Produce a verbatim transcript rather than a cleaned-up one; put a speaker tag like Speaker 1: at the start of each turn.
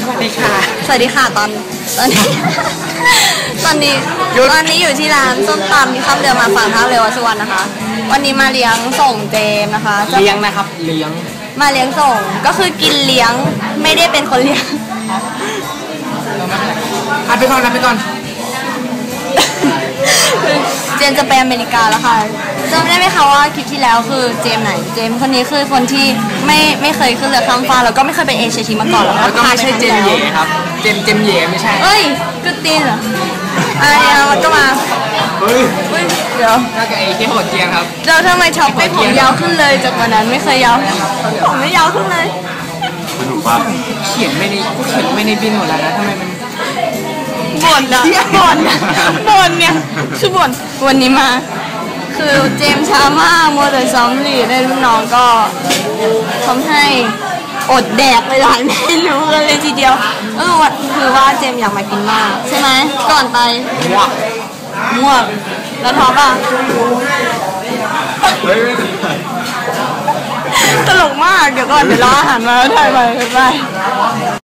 Speaker 1: วัสดีค่ะ
Speaker 2: สวัสดีค่ะตอนตอนนี้ตอนนี้ตอนนี้อยู่ที่ร้านส้มตำที่ข้ามเรือมาฝั่งท่าเรือวัดสุวรรณนะคะ วันนี้มาเลี้ยงส่งเจมนะคะ
Speaker 1: เลี้ยงนะครับเลี้ยง
Speaker 2: มาเลี้ยงส่งก็คือกินเลี้ยงไม่ได้เป็นคนเลี้ยง
Speaker 1: อ่ะไปก่อนนะไปก่อน
Speaker 2: เจมจะไปอเมริกาแล้วค่ะจำได้ไหมคะว่าคลิปที่แล้วคือเจมไหนเจมคนนี้คือคนที่ไม่ไม่เคยขึ้นเรือข้ามฟ้าแล้วก็ไม่เคยไปเอเชียทีมาก่อน
Speaker 1: แล้วก็ไม่ใช่เจมเย่ครับเจมเจมเย่ไม่ใช่
Speaker 2: เอ้ยกึดตีนเหรออะไรนะมันก็มา
Speaker 1: เฮ้ย
Speaker 2: เดี๋ยว
Speaker 1: น่าจะไอ้ที่โหดเจียงครับ
Speaker 2: เราทำไมช็อปให้ผมยาวขึ้นเลยจากวันนั้นไม่เคยยาวผมไม่ยาวขึ้นเลย
Speaker 3: ถูกป่ะ
Speaker 1: เขียนไม่ในเขียนไม่ในบินหมดแล้วนะทำไมมัน
Speaker 2: บ่นอะบ่นบ่นเนี่ยคือบ่นวันนี้มาคือเจมช้ามากมัวแต่ซ้อมลีดได้รุ่นน้องก็ทำให้อดแดกไปหลายเมนูเลยทีเดียวเออวันคือว่าเจมอยากมากินมากใช่ไหมก่อนไป
Speaker 1: มั่ว
Speaker 2: มั่วแล้วท้อป่ะตลกมากเดี๋ยวก่อนเดี๋ยวรออาหารมาแล้วถ่ายไปไป